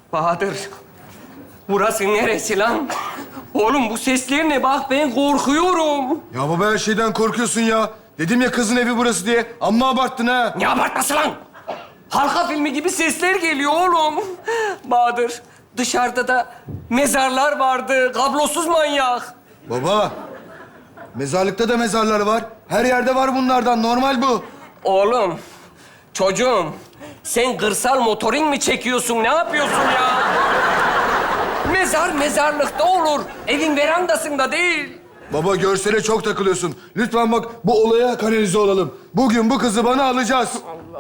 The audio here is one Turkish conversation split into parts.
Bahadır, burası neresi lan? Oğlum bu sesler ne? Bak ben korkuyorum. Ya baba her şeyden korkuyorsun ya. Dedim ya kızın evi burası diye. Amma abarttın ha. Ne abartması lan? Halka filmi gibi sesler geliyor oğlum. Bahadır, dışarıda da mezarlar vardı. Kablosuz manyak. Baba, mezarlıkta da mezarlar var. Her yerde var bunlardan. Normal bu. Oğlum, çocuğum, sen kırsal motorin mi çekiyorsun? Ne yapıyorsun ya? Mezar mezarlıkta olur. Evin verandasında değil. Baba görsele çok takılıyorsun. Lütfen bak bu olaya kanalize olalım. Bugün bu kızı bana alacağız.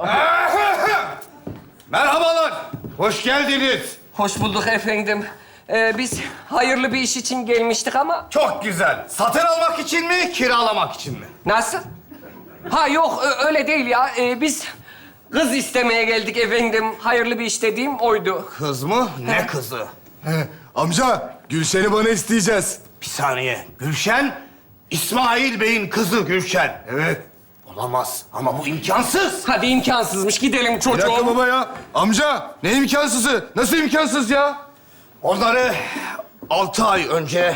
Merhabalar, hoş geldiniz. Hoş bulduk efendim. Biz hayırlı bir iş için gelmiştik ama... Çok güzel. Satın almak için mi, kiralamak için mi? Nasıl? Ha yok, öyle değil ya. Biz kız istemeye geldik efendim. Hayırlı bir iş dediğim oydu. Kız mı? Ne kızı? Amca, Gülşen'i bana isteyeceğiz. Bir saniye. Gülşen, İsmail Bey'in kızı Gülşen. Evet. Olamaz ama bu imkansız. Hadi imkansızmış, gidelim Bir çocuğum. dakika baba ya. Amca, ne imkansızı? Nasıl imkansız ya? Onları 6 ay önce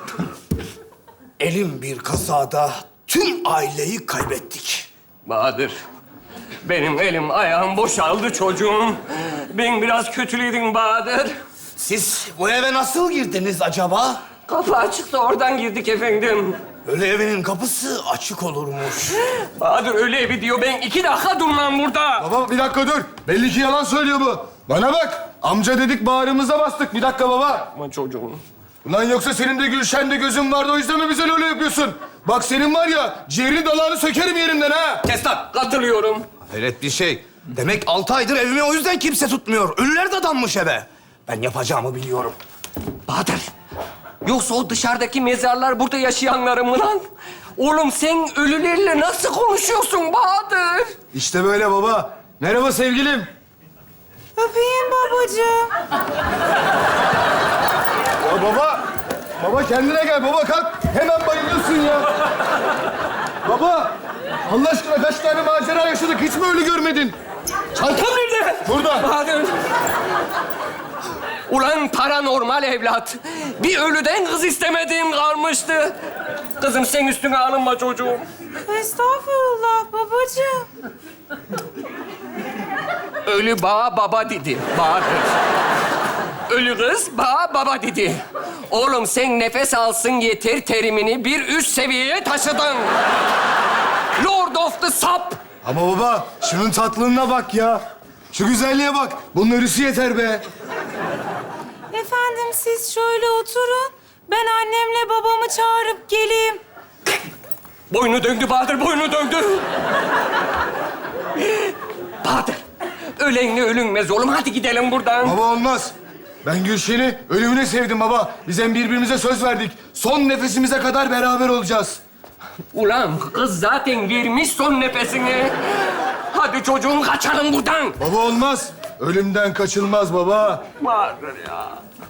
elim bir kazada tüm aileyi kaybettik. Bahadır, benim elim ayağım boşaldı çocuğum. Ben biraz kötüledim Bahadır. Siz bu eve nasıl girdiniz acaba? Kapı açıktı, oradan girdik efendim. Öyle evinin kapısı açık olurmuş. Bahadır öyle evi diyor, ben 2 dakika durmam burada. Baba bir dakika dur. Belli ki yalan söylüyor bu. Bana bak. Amca dedik bağrımıza bastık. Bir dakika baba. Aman çocuğum. Ulan yoksa senin de Gülşen'de gözün vardı o yüzden mi bize öyle yapıyorsun? Bak senin var ya ciğerini dalağını sökerim yerinden ha. Kes lan. Katılıyorum. Hayret bir şey. Demek 6 aydır evimi o yüzden kimse tutmuyor. Ölüler de dammış eve. Ben yapacağımı biliyorum. Bahadır, yoksa o dışarıdaki mezarlar burada yaşayanların mı lan? Oğlum sen ölülerle nasıl konuşuyorsun Bahadır? İşte böyle baba. Merhaba sevgilim. Öpeyim babacığım. Ya baba. Baba kendine gel. Baba kalk. Hemen bayılıyorsun ya. Baba. Allah aşkına kaç tane macera yaşadık. Hiç mi öyle görmedin? Çantam nerede? Burada. Bahadır. Ulan paranormal evlat. Bir ölüden kız istemediğim kalmıştı. Kızım sen üstüne alınma çocuğum. Estağfurullah babacığım. Ölü bağa baba dedi Bahadır. Ölü kız bağa baba dedi. Oğlum sen nefes alsın yeter terimini bir üst seviyeye taşıdın. Lord of the Sap. Ama baba şunun tatlılığına bak ya. Şu güzelliğe bak. Bunun ölüsü yeter be. Efendim siz şöyle oturun. Ben annemle babamı çağırıp geleyim. Boynu döndü Bahadır, boynu döndü. Bahadır, ölenle ölünmez oğlum. Hadi gidelim buradan. Baba olmaz. Ben Gülşen'i ölümüne sevdim baba. Biz hem birbirimize söz verdik. Son nefesimize kadar beraber olacağız. Ulan kız zaten vermiş son nefesini. Hadi çocuğum kaçalım buradan. Baba olmaz. Ölümden kaçılmaz baba. Bahadır ya.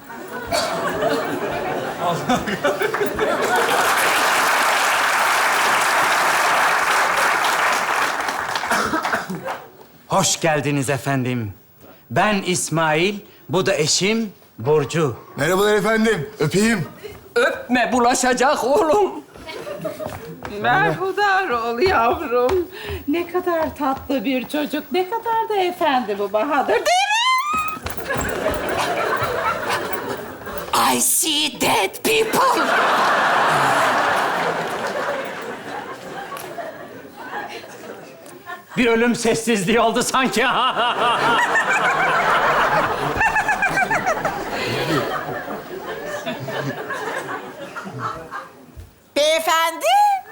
Hoş geldiniz efendim. Ben İsmail, bu da eşim Burcu. Merhabalar efendim. Öpeyim. Öpme bulaşacak oğlum. Merhudar ol yavrum. Ne kadar tatlı bir çocuk, ne kadar da efendi bu Bahadır, değil mi? I see dead people. Bir ölüm sessizliği oldu sanki. Beyefendi.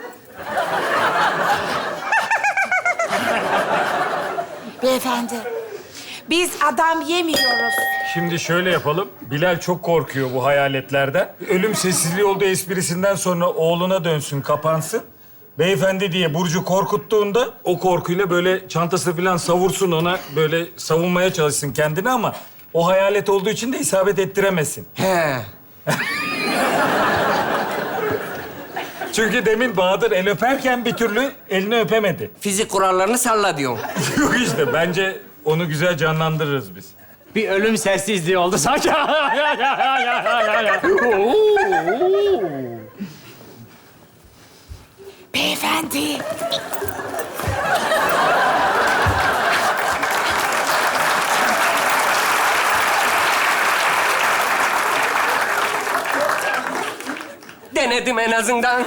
Beyefendi. Biz adam yemiyoruz. Şimdi şöyle yapalım. Bilal çok korkuyor bu hayaletlerden. Ölüm sessizliği olduğu esprisinden sonra oğluna dönsün, kapansın. Beyefendi diye Burcu korkuttuğunda o korkuyla böyle çantası falan savursun ona. Böyle savunmaya çalışsın kendini ama o hayalet olduğu için de isabet ettiremesin. He. Çünkü demin Bahadır el öperken bir türlü elini öpemedi. Fizik kurallarını salla diyorsun. Yok işte bence onu güzel canlandırırız biz. Bir ölüm sessizliği oldu sanki. Beyefendi. Denedim en azından.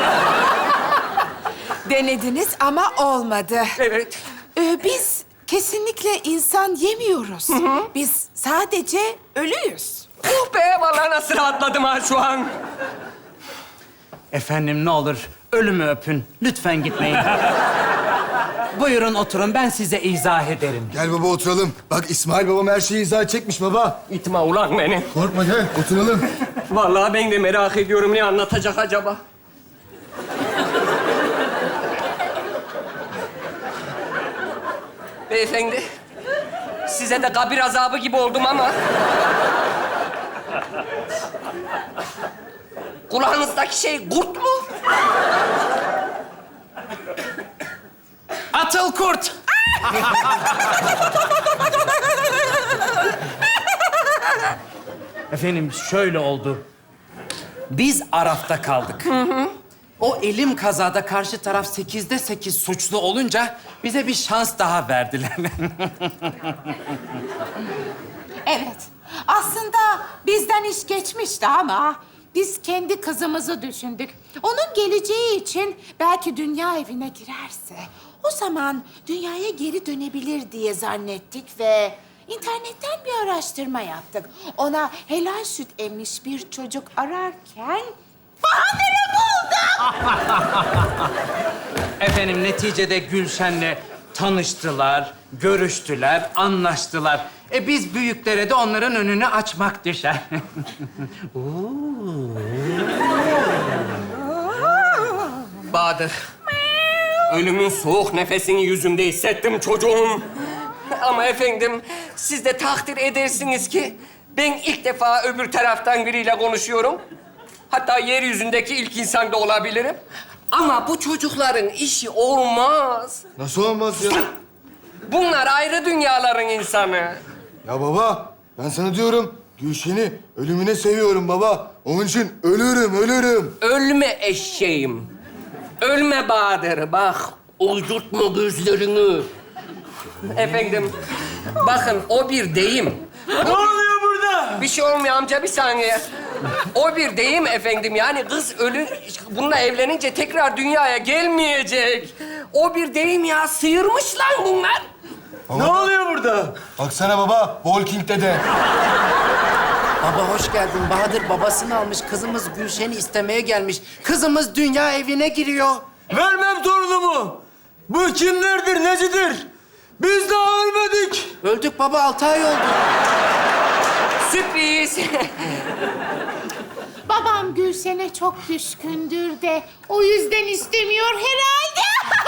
Denediniz ama olmadı. Evet. Biz kesinlikle insan yemiyoruz. Biz sadece ölüyüz. Oh be, vallahi nasıl rahatladım ha şu an. Efendim ne olur ölümü öpün. Lütfen gitmeyin. Buyurun oturun, ben size izah ederim. Gel baba oturalım. Bak İsmail babam her şeyi izah çekmiş baba. İtme ulan beni. Korkma gel oturalım. Vallahi ben de merak ediyorum, ne anlatacak acaba? Beyefendi, size de kabir azabı gibi oldum ama... Kulağınızdaki şey kurt mu? Atıl kurt! Efendim şöyle oldu. Biz Araf'ta kaldık. O elim kazada karşı taraf 8'de 8 suçlu olunca bize bir şans daha verdiler. Evet. Aslında bizden iş geçmişti ama biz kendi kızımızı düşündük. Onun geleceği için belki dünya evine girerse o zaman dünyaya geri dönebilir diye zannettik ve internetten bir araştırma yaptık. Ona helal süt emmiş bir çocuk ararken Bahadır'ı bulduk. Efendim neticede Gülşen'le tanıştılar, görüştüler, anlaştılar. Biz büyüklere de onların önünü açmak düşer. Bahadır, ölümün soğuk nefesini yüzümde hissettim çocuğum. Ama efendim, siz de takdir edersiniz ki... ...ben ilk defa öbür taraftan biriyle konuşuyorum. Hatta yeryüzündeki ilk insan da olabilirim. Ama bu çocukların işi olmaz. Nasıl olmaz ya? Bunlar ayrı dünyaların insanı. Ya baba ben sana diyorum Gülşen'i ölümüne seviyorum baba. Onun için ölürüm. Ölme eşeğim. Ölme Bahadır. Bak, uydurtma gözlerini. Efendim, bakın o bir deyim. Ne oluyor burada? Bir şey olmuyor amca, bir saniye. O bir deyim efendim. Yani kız bununla evlenince tekrar dünyaya gelmeyecek. O bir deyim ya. Sıyırmış lan bunlar. Ne oluyor burada? Baksana baba Walking Dead'e. Baba hoş geldin. Bahadır babasını almış. Kızımız Gülşen'i istemeye gelmiş. Kızımız dünya evine giriyor. Vermem torunumu. Bu kimlerdir, necidir? Biz daha ölmedik. Öldük baba, 6 ay oldu. Sürpriz. Babam Gülşen'e çok düşkündür de o yüzden istemiyor herhalde.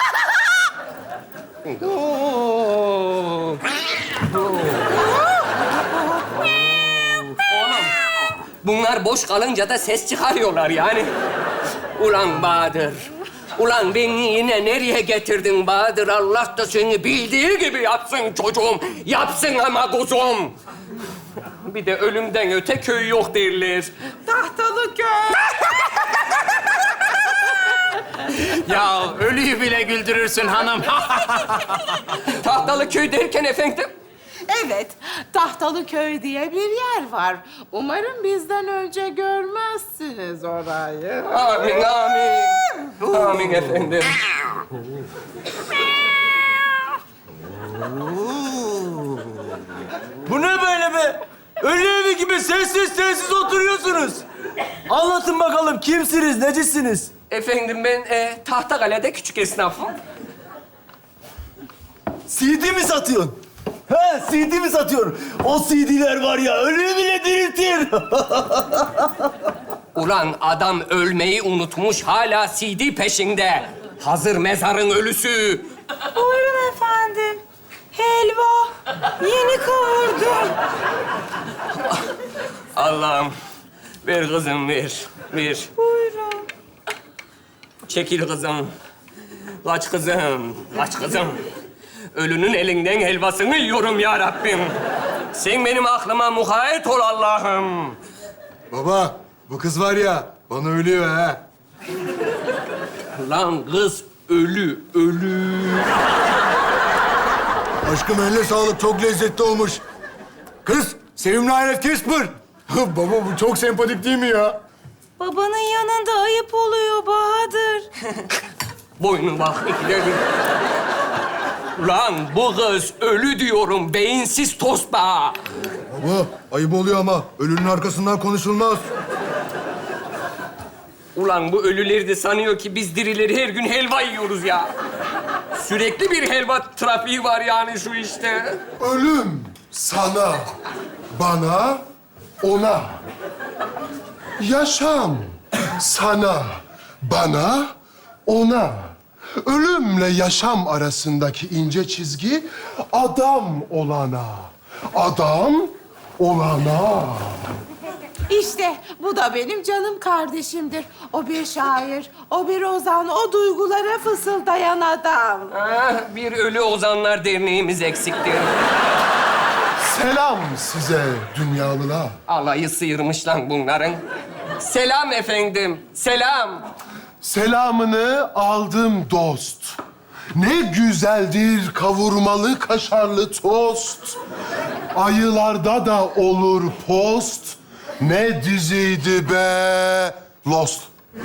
Oğlum, bunlar boş kalınca da ses çıkarıyorlar yani. Ulan Bahadır. Ulan beni yine nereye getirdin Bahadır? Allah da seni bildiği gibi yapsın çocuğum. Yapsın ama kuzum. Bir de ölümden öte köy yok derler. Tahtalı köy. Ya ölüyü bile güldürürsün hanım. Tahtalı köy derken efendim? Evet, Tahtalı köy diye bir yer var. Umarım bizden önce görmezsiniz orayı. Amin, amin. Amin efendim. Bu ne böyle be? Ölü evi gibi sessiz oturuyorsunuz. Anlatın bakalım kimsiniz, necisiniz? Efendim ben Tahtakale'de küçük esnafım. CD mi satıyorsun? He, CD mi satıyorsun? O CD'ler var ya, ölüyü bile diriltir. Ulan adam ölmeyi unutmuş, hala CD peşinde. Hazır mezarın ölüsü. Buyurun efendim. Helva. Yeni kavurdum. Allah'ım, ver kızım, ver. Buyurun. Çekil kızım. Kaç kızım, kaç kızım. Ölünün elinden helvasını yiyorum ya Rabbim. Sen benim aklıma mukayyet ol Allah'ım. Baba, bu kız var ya, bana ölüyor ha. Lan kız ölü, ölü. Aşkım eline sağlık, çok lezzetli olmuş. Kız, sevimli Hayret Kesper. Baba bu çok sempatik değil mi ya? Babanın yanında ayıp oluyor Bahadır. Boynu bak ikide bir. Lan bu kız ölü diyorum, beyinsiz tosba. Baba, ayıp oluyor ama ölünün arkasından konuşulmaz. Ulan bu ölüleri de sanıyor ki biz dirileri her gün helva yiyoruz ya. Sürekli bir helva trafiği var yani şu işte. Ölüm sana, bana, ona. Yaşam sana, bana, ona. Ölümle yaşam arasındaki ince çizgi adam olana. Adam olana. İşte bu da benim canım kardeşimdir. O bir şair, o bir ozan, o duygulara fısıldayan adam. Ah, bir Ölü Ozanlar Derneğimiz eksiktir. Selam size dünyalılar. Alayı sıyırmış lan bunların. Selam efendim, selam. Selamını aldım dost. Ne güzeldir kavurmalı kaşarlı tost. Ayılarda da olur post. Ne diziydi be Lost.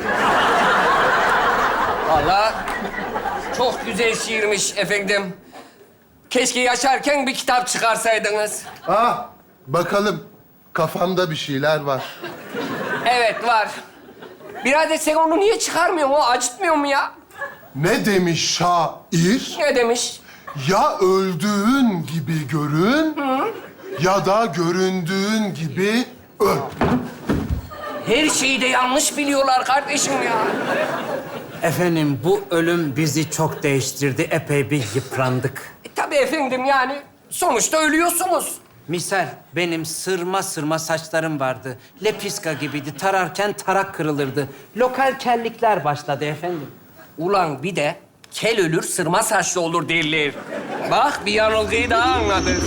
Vallahi çok güzel şiirmiş efendim. Keşke yaşarken bir kitap çıkarsaydınız. Ah bakalım kafamda bir şeyler var. Evet var. Birader sen onu niye çıkarmıyorsun? O acıtmıyor mu ya? Ne demiş şair? Ne demiş? Ya öldüğün gibi görün ya da göründüğün gibi öl. Her şeyi de yanlış biliyorlar kardeşim ya. Efendim bu ölüm bizi çok değiştirdi. Epey bir yıprandık. Tabii efendim yani sonuçta ölüyorsunuz. Misal benim sırma sırma saçlarım vardı. Lepiska gibiydi. Tararken tarak kırılırdı. Lokal kellikler başladı efendim. Ulan bir de kel ölür sırma saçlı olur derler. Bak bir yanılgıyı daha anladık.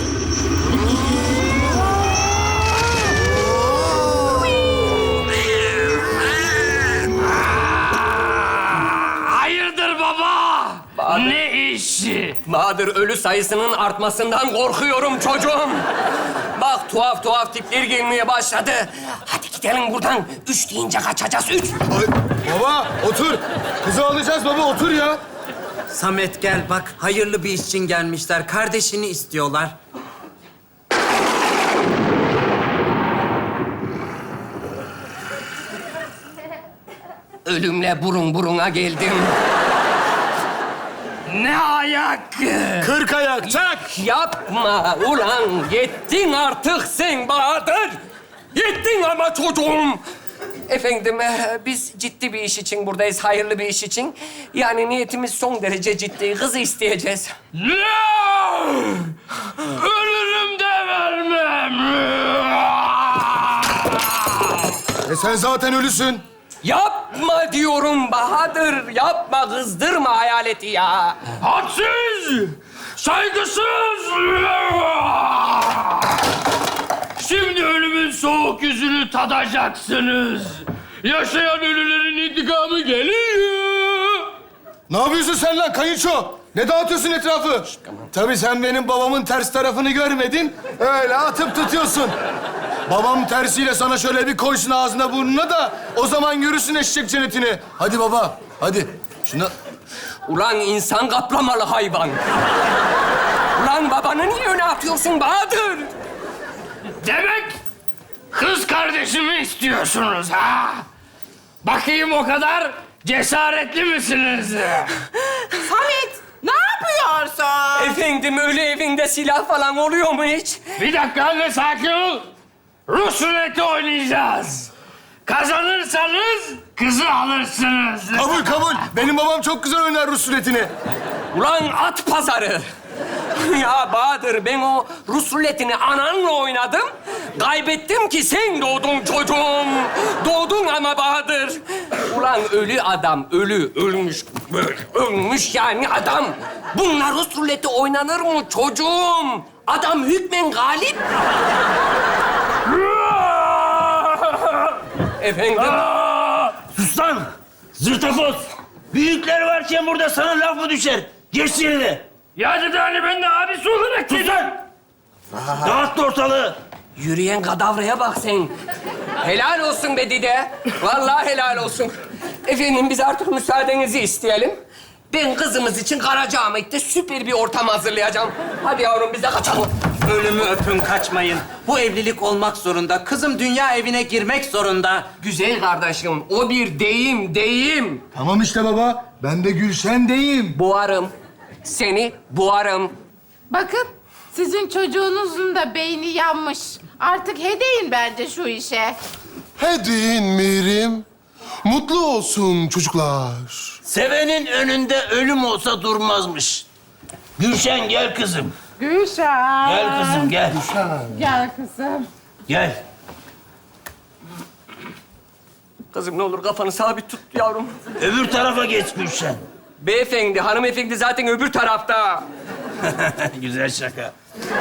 Hayırdır baba? Bahadır. Ne işi? Bahadır ölü sayısının artmasından korkuyorum çocuğum. Bak tuhaf tuhaf tipler gelmeye başladı. Hadi gidelim buradan. 3 deyince kaçacağız. 3. Ay, baba otur. Kızı alacağız baba, otur ya. Samet gel bak hayırlı bir iş için gelmişler. Kardeşini istiyorlar. Ölümle burun buruna geldim. Ne ayak? 40 ayak çak. Yapma ulan. Yettin artık sen Bahadır. Yettin ama çocuğum. Efendim, biz ciddi bir iş için buradayız, hayırlı bir iş için. Yani niyetimiz son derece ciddi. Kızı isteyeceğiz. Ne? Ölürüm de vermem. Sen zaten ölüsün. Yapma diyorum Bahadır. Yapma, kızdırma hayaleti ya. Hadsiz! Saygısız! Şimdi ölümün soğuk yüzünü tadacaksınız. Yaşayan ölülerin intikamı geliyor. Ne yapıyorsun sen lan kayınço? Ne dağıtıyorsun etrafı? Tabii sen benim babamın ters tarafını görmedin. Öyle atıp tutuyorsun. Babam tersiyle sana şöyle bir koysun ağzına burnuna da o zaman görürsün eşek cennetini. Hadi baba, hadi. Şunu... Ulan insan kaplamalı hayvan. Ulan babanı niye öne atıyorsun Bahadır? Demek kız kardeşimi istiyorsunuz ha? Bakayım o kadar cesaretli misiniz? Samet, ne yapıyorsun? Efendim ölü evinde silah falan oluyor mu hiç? Bir dakika anne, sakin ol. Rus ruleti oynayacağız. Kazanırsanız kızı alırsınız. Kabul, kabul. Benim babam çok güzel oynar Rus ruletini. Ulan at pazarı. Ya Bahadır, ben o Rus ruletini ananla oynadım. Kaybettim ki sen doğdun çocuğum. Doğdun ama Bahadır. Ulan ölü adam, ölmüş. Ölmüş yani adam. Bunlar Rus ruleti oynanır mı çocuğum? Adam hükmen galip. Efendim? Sus lan! Zırtafoz! Büyükler varken burada sana laf mı düşer? Geç yerine! Ya dedi hani ben de abisi olarak Sus lan! Dağıt ortalığı! Yürüyen kadavraya bak sen. Helal olsun be dede. Vallahi helal olsun. Efendim biz artık müsaadenizi isteyelim. Ben kızımız için Karacaahmet'te süper bir ortam hazırlayacağım. Hadi yavrum biz de kaçalım. Ölümü öpün, kaçmayın. Bu evlilik olmak zorunda. Kızım dünya evine girmek zorunda. Güzel kardeşim, o bir deyim. Tamam işte baba. Ben de Gülşen'deyim. Boğarım. Seni boğarım. Bakın, sizin çocuğunuzun da beyni yanmış. Artık hedeyin bence şu işe. Hedin Mirim. Mutlu olsun çocuklar. Sevenin önünde ölüm olsa durmazmış. Gülşen gel kızım. Gülşen. Gel kızım gel. Gel kızım. Gel. Kızım ne olur kafanı sabit tut yavrum. Öbür tarafa geç Gülşen. Beyefendi, hanımefendi zaten öbür tarafta. Güzel şaka.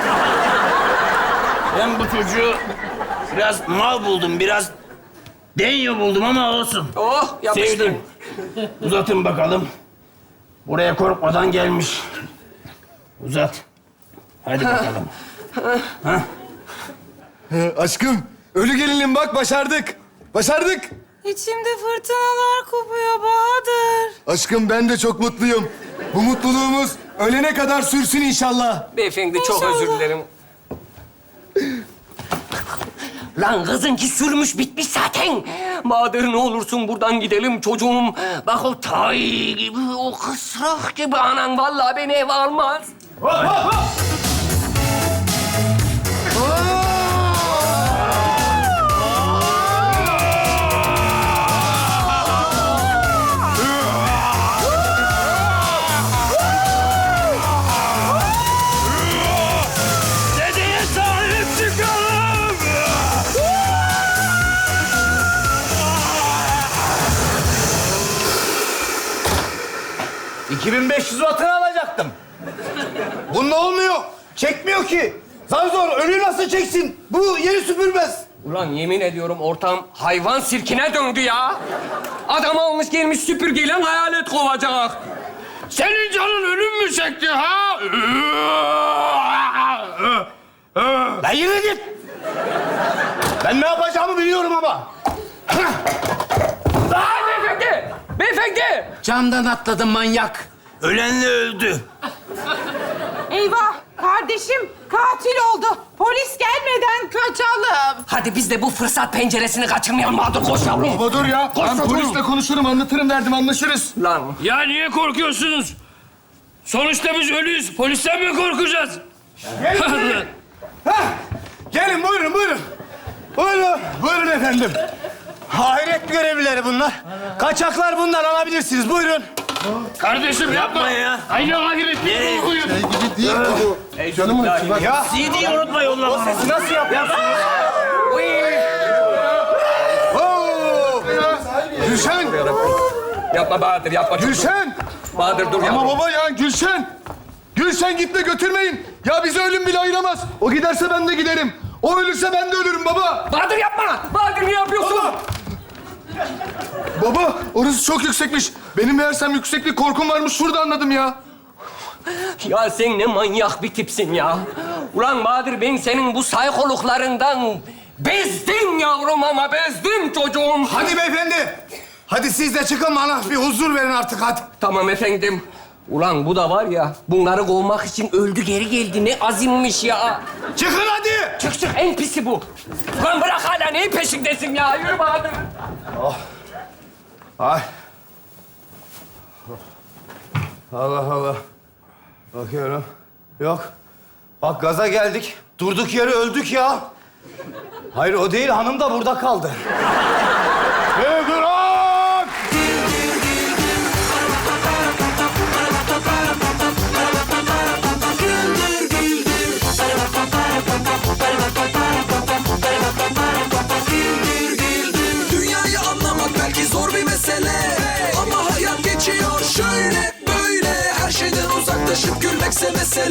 Ben bu çocuğu biraz mal buldum, biraz denyo buldum ama olsun. Oh, yapıştın. Sevdim. Uzatın bakalım. Buraya korkmadan gelmiş. Uzat. Hadi bakalım. Aşkım, ölü gelinim bak başardık. Başardık. İçimde fırtınalar kopuyor Bahadır. Aşkım ben de çok mutluyum. Bu mutluluğumuz ölene kadar sürsün inşallah. Beyefendi çok İnşallah. özür dilerim. Lan kızınki sürmüş bitmiş zaten. Bahadır ne olursun buradan gidelim çocuğum. Bak o tay gibi, o kısrak gibi anan vallahi beni eve almaz. dedeye sahip çıkalım. 2500 wattını alacaktım. Bununla olmuyor. Çekmiyor ki. Zar zor. Ölüyü nasıl çeksin? Bu yeri süpürmez. Ulan yemin ediyorum ortam hayvan sirkine döndü ya. Adam almış gelmiş süpürgeyle hayalet kovacak. Senin canın ölüm mü çekti ha? Lan yürü git. Ben ne yapacağımı biliyorum ama. Aa, beyefendi! Beyefendi! Camdan atladı manyak. Ölenle öldü. Eyvah, kardeşim katil oldu. Polis gelmeden kaçalım. Hadi biz de bu fırsat penceresini kaçırmayalım. Bahadır koş yavrum. Baba dur ya. Ben polisle konuşurum, anlatırım derdim, anlaşırız. Lan Ya niye korkuyorsunuz? Sonuçta biz ölüyüz. Polisten mi korkacağız? Gelin buyurun buyurun. Buyurun. Buyurun efendim. Hayret görevlileri bunlar. Kaçaklar bunlar, alabilirsiniz. Buyurun. Kardeşim yapma ya. Aynı ahiret bir korkuyor. Şey gibi değil bu. Canım acı bak. Ya CD'yi unutma yolla. sesi nasıl yapıyorsunuz? Oo! Gülşen! yapma Bahadır yapma. Gülşen! Bahadır dur Ama yavrum. baba ya Gülşen! Gülşen gitme, götürmeyin. Ya bizi ölüm bile ayıramaz. O giderse ben de giderim. O ölürse ben de ölürüm baba. Bahadır yapma. Bahadır ne yapıyorsun? Baba orası çok yüksekmiş. Benim meğersem yükseklik korkum varmış. Şurada anladım ya. Ya sen ne manyak bir tipsin ya. Ulan Bahadır ben senin bu saykoluklarından bezdim yavrum ama bezdim çocuğum. Hadi beyefendi. Hadi siz de çıkın bana bir huzur verin artık hadi. Tamam efendim. Ulan bu da var ya bunları kovmak için öldü geri geldi. Ne azimmiş ya. Çıkın hadi. Çık çık en pisi bu. Ulan bırak hala neyin peşindesin ya. Yürü Bahadır. Ay. Allah Allah. Bakıyorum. Yok. Bak gaza geldik. Durduk yere öldük ya. Hayır o değil, hanım da burada kaldı. Durun! Dünyayı anlamak belki zor bir mesele, ama hayat geçiyor şöyle böyle. Her şeyden uzaklaşıp gülmekse mesele.